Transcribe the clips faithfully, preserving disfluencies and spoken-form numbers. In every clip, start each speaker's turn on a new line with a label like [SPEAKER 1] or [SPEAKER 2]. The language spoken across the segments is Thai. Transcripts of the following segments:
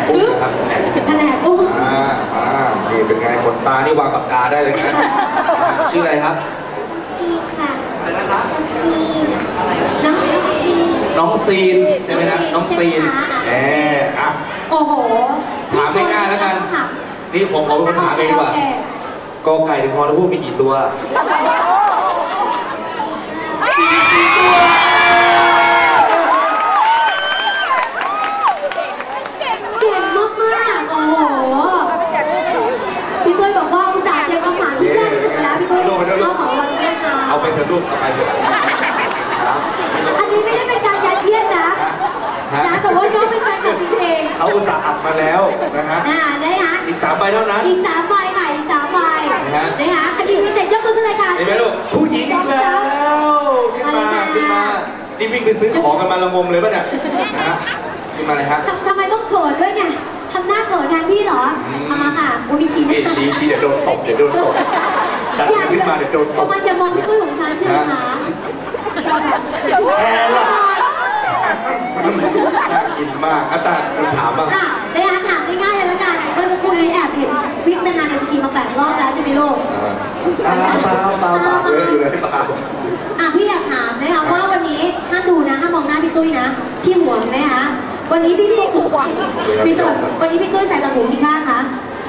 [SPEAKER 1] กุ้งนะครับแผนก
[SPEAKER 2] แผนกกุ้ง
[SPEAKER 1] อ่าอ่านี่เป็นไงขนตานี่วางปากกาได้เลยนะชื่ออะไรครับ
[SPEAKER 2] ซีค่ะ
[SPEAKER 1] อะไรนะครับ
[SPEAKER 2] ซีน้องซี
[SPEAKER 1] น้องซีนใช่ไหมครับน้องซีนแหมอ่ะ
[SPEAKER 2] โอ้โห
[SPEAKER 1] ถามง่ายๆแล้วกันนี่ผมขอเป็นคนถามเองดีกว่ากอไก่ถึงคอทั้งพวกมีกี่ตัวสี่ตัว
[SPEAKER 2] เก่งมากๆโอ้โหพี่ตุ้ยบอกว่าอุตส่าห์เตรียมคำถามที่ยากที่สุดแล้วพี่ตุ้ยเข้าของวันนี้ค่ะ
[SPEAKER 1] เอาไปเถอะลูกเอาไปเถอะ
[SPEAKER 2] อันนี้ไม่ได้เป็นการยัดเยียดนะนะแต่ว่าน้องเป็นแฟนคลับจริงๆ
[SPEAKER 1] เขาอุตส่าห์อัดมาแล้วนะฮะ
[SPEAKER 2] อ่าได้ฮะ
[SPEAKER 1] อีกสามใบเท่านั้น
[SPEAKER 2] อีกสามใบค่ะอีกสามใบนะคะอันนี้พิเศษยกมือขึ้นเลยค่ะ
[SPEAKER 1] เห็นไหมลูกผู้หญิงอีกแล้วขึ้นมาขึ้นมานี่วิ่งไปซื้อของกันมาละงมเลยป่ะเนี่ยนะฮะขึ้นมาเลยฮะ
[SPEAKER 2] ทำไมต้องเขินด้วยเนี่ยทำหน้าเขินแทนพี่เหรอเอามาค่ะกูมีชี้นะ
[SPEAKER 1] ชี้ชี้เดี๋ยวโดนตบเดี๋ยวโดนตบดันฉันขึ้นมาเดี๋ยวโดนตบ
[SPEAKER 2] ทำไมจะมองพี่ตุ้ยของฉันชื่อคะ
[SPEAKER 1] แพ้ละน่ากินมากอาตาคุณถามบ้าง
[SPEAKER 2] อ่ะได้ถามง่ายๆเลยละกันเมื่อสักครู่นี้แอบเห็นวิ่งเป็นงานในสกีมาแปดรอบแล้วใช่ไหมลูก
[SPEAKER 1] เปล่าเปล่าเปล่าเปล่าเลยอยู่เลยเปล่า
[SPEAKER 2] อ่ะพี่อยากถามนะคะว่าวันนี้ห้ามดูนะห้ามมองหน้าพี่ตุ้ยนะพี่ห่วงนะคะวันนี้พี่ตุ้ยพี่ตุ้ยวันนี้พี่ตุ้ยใส่ตะหูกี่ข้างคะ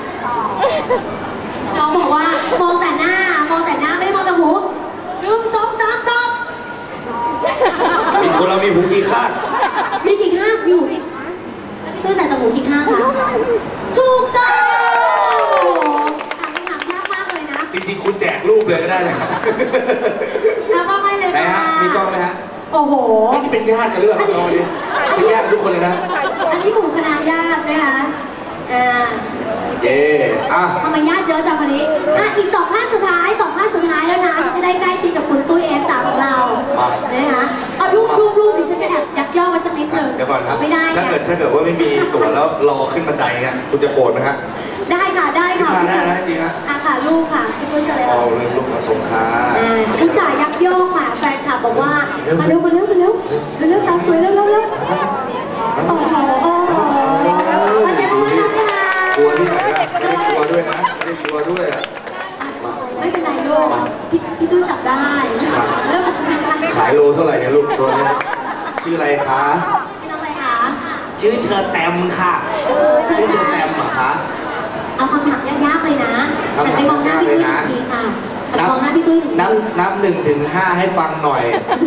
[SPEAKER 2] น้องบอกว่ามองแต่หน้ามองแต่หน้าไม่ได้มองแต่หูหนึ่งสองสามตอบ
[SPEAKER 1] มีคนเรามีหูกี่ข้าง
[SPEAKER 2] มีกี่ข้างมีหูกี่แล้วพี่ตุ้ยใส่ตะหูกี่ข้างคะถูกต้องถามคำถามยากมากเลยนะ
[SPEAKER 1] จริงๆคุณแจกรูปเลยก็ได้นะ
[SPEAKER 2] แล้วก็ไม่เลย
[SPEAKER 1] นะฮะมีกล้องไหมฮะ
[SPEAKER 2] โอ้โห
[SPEAKER 1] นี่เป็นญาติกันหรือเปล่าน้องวันนี้เป็นญาติทุกคนเลยนะ
[SPEAKER 2] อันนี้หมู่คณะญาตินะคะอ่า
[SPEAKER 1] เย่อะ
[SPEAKER 2] ทำไมญาติเยอะจังวันนี้อ่ะอีกสองท่านสุดท้ายสองท่านสุดท้ายแล้วนะจะได้ใกล้ชิดกับคุณตุ้ยเอฟสามของเรานะคะเอารูปรูปรูปดิฉันจะแอบยักย่อไว้สักนิดหนึ่ง
[SPEAKER 1] เดี๋ยวก่อนครับ
[SPEAKER 2] ไม่ได้
[SPEAKER 1] ถ้าเกิดถ้าเกิดว่าไม่มีตั๋วแล้วรอขึ้นบันไดเนี่ยคุณจะโกรธไหมฮะ
[SPEAKER 2] ได้ค่ะได้ค่ะ
[SPEAKER 1] ขึ้นมาได้นะจริงฮะ
[SPEAKER 2] อ่ะค่ะลูกค่ะพี่ตุ้ยจะเลย
[SPEAKER 1] เอาเลยลูกกับผมค่ะ
[SPEAKER 2] อุตส่าห์ยักย่อมาแฟนคลับบอกว่ามาเร็วมาเร็วมาเร็วมาเร็วสาวสวยเร็วเร็วเร็วโอ้โหโอ้โหมาเจอกันค่ะ
[SPEAKER 1] กลัวที่ไหนล่ะไม่ได้กลัวด้วยนะไม่ได้กลัวด้วย
[SPEAKER 2] ไม่เป็นไรลูกพี่พี่ตุ้ยจับได้เริ่ม
[SPEAKER 1] ขายโลเท่าไหร่เนี่ยลูกตัวนี้ชื่ออะไรคะ
[SPEAKER 2] ชื่อน้องอะไรคะ
[SPEAKER 1] ชื่อเชอร์แตมค่ะชื่อเชอร์แตมเหรอคะ
[SPEAKER 2] เอาคำถามยากๆเลยนะแต่ไปมองหน้าพี่ตุ้ยหนึ่งทีค่ะแต่มองหน้าพี่ตุ้ยหนึ่งที
[SPEAKER 1] นับนับหนึ่งถึงห้าให้ฟังหน่อย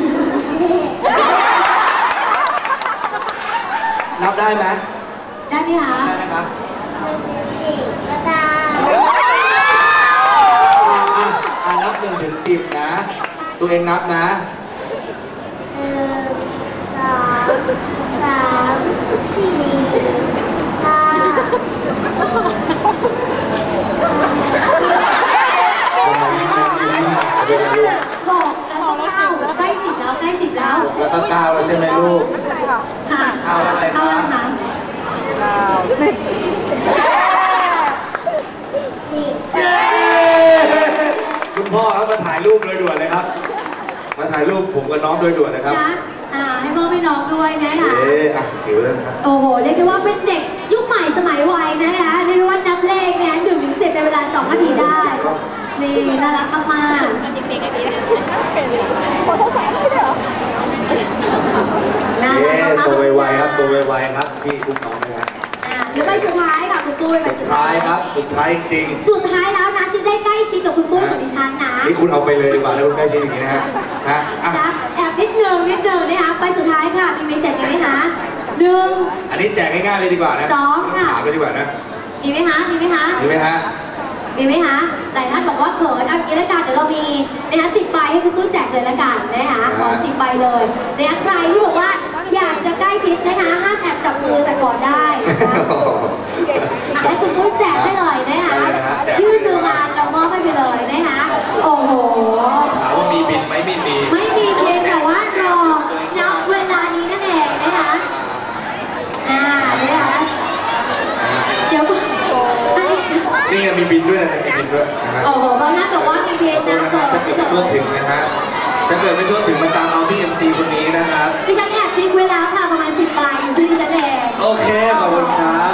[SPEAKER 1] นับได้ไหม
[SPEAKER 2] ได้ไหมคะ
[SPEAKER 1] ได้ไหมครับ
[SPEAKER 2] หนึ่งถึงสี่ก็ได้
[SPEAKER 1] อ่านับหนึ่งถึงสิบนะตัวเองนับนะ
[SPEAKER 2] หนึ่งสองสามสี่ห้าหกแล้วก็เก้าใกล้สิบแล้วใกล้สิบแล้ว
[SPEAKER 1] แล้วก็เก้าแล้วใช่ไหมลูก
[SPEAKER 2] ค่ะ
[SPEAKER 1] เก้าอะไร
[SPEAKER 2] เก้าอะไรคะ
[SPEAKER 3] เก้าสิบ
[SPEAKER 1] คุณพ่อครับมาถ่ายรูปโดยด่วนเลยครับมาถ่ายรูปผมกับน้องโดยด่วนนะครับ
[SPEAKER 2] นะอ่าให้พ่อให้น้องด้วยนะคะ
[SPEAKER 1] เอ๊ะอ่ะถือเลยครับ
[SPEAKER 2] โอ้โหเรียกได้ว่าเป็นเด็กยุคใหม่สมัยวัยนะคะเรียกว่านับเลขเนี่ยหนึ่งถึงสิบในเวลาสองนาทีได้นี่น่ารักมากๆเด็กๆอันนี้
[SPEAKER 3] โอ้สงสารไม่ได้เหรอ
[SPEAKER 2] น่ารักมากๆ
[SPEAKER 1] ตัวไวๆครับตัวไวๆครับพี่คุ้มน้องนะครับ
[SPEAKER 2] หรือใบสุดท้ายค่ะคุณตุ้ยใบ
[SPEAKER 1] สุดท้ายครับสุดท้ายจริง
[SPEAKER 2] สุดท้ายแล้วนะที่ได้ใกล้ชิดกับคุณตุ้ยกับดิฉันนะ
[SPEAKER 1] นี่คุณเอาไปเลยดีกว่าแล้วคุณใกล้ชิดอย่างนี้นะฮะ
[SPEAKER 2] นะแอบนิดนึงนิดนึงนะคะใบสุดท้ายค่ะมีเมสเซจไหมคะหนึ่ง
[SPEAKER 1] อันนี้แจกง่ายๆเลยดีกว่านะ
[SPEAKER 2] สองค่ะ
[SPEAKER 1] ถามเลยดีกว่านะ
[SPEAKER 2] มีไหมคะมีไหมคะ
[SPEAKER 1] มีไหมฮะ
[SPEAKER 2] มีไหมคะหลายท่านบอกว่าเขินเอางี้ละกันเดี๋ยวเรามีนะคะสิบใบให้คุณตุ้ยแจกเลยละกันนะคะขอสิบใบเลยนะคะใครที่บอกว่าอยากจะใกล้ชิดนะคะห้ามแอบจับมือแต่ก่อนได้ให้คุณตุ้ยแจกให้เลยนะคะยื่นมือมาเรามอบให้ไปเลยนะคะโอ้โห
[SPEAKER 1] ถามว่ามีบินไหมไม่มี
[SPEAKER 2] ไม่มีเพียงแต่ว่ารอนับเวลานี้นั่นเองนะคะอ่านะคะเดี๋ยว
[SPEAKER 1] นี่มีบินด้วยนะมีบินด้วยนะฮะ
[SPEAKER 2] โอ้โหบางท่านบอกว่ามีเพียงนะ
[SPEAKER 1] ถ้าเกิดไม่ทั่วถึงนะฮะถ้าเกิดไม่ทั่วถึงมันตามเอาที่ เอ็ม ซี คนนี้นะครับ
[SPEAKER 2] ดิฉันแอบทิ้งไว้แล้วค่ะประมาณสิบใบอยู่ที่ดิฉันเอง
[SPEAKER 1] โอเคขอบคุณครับ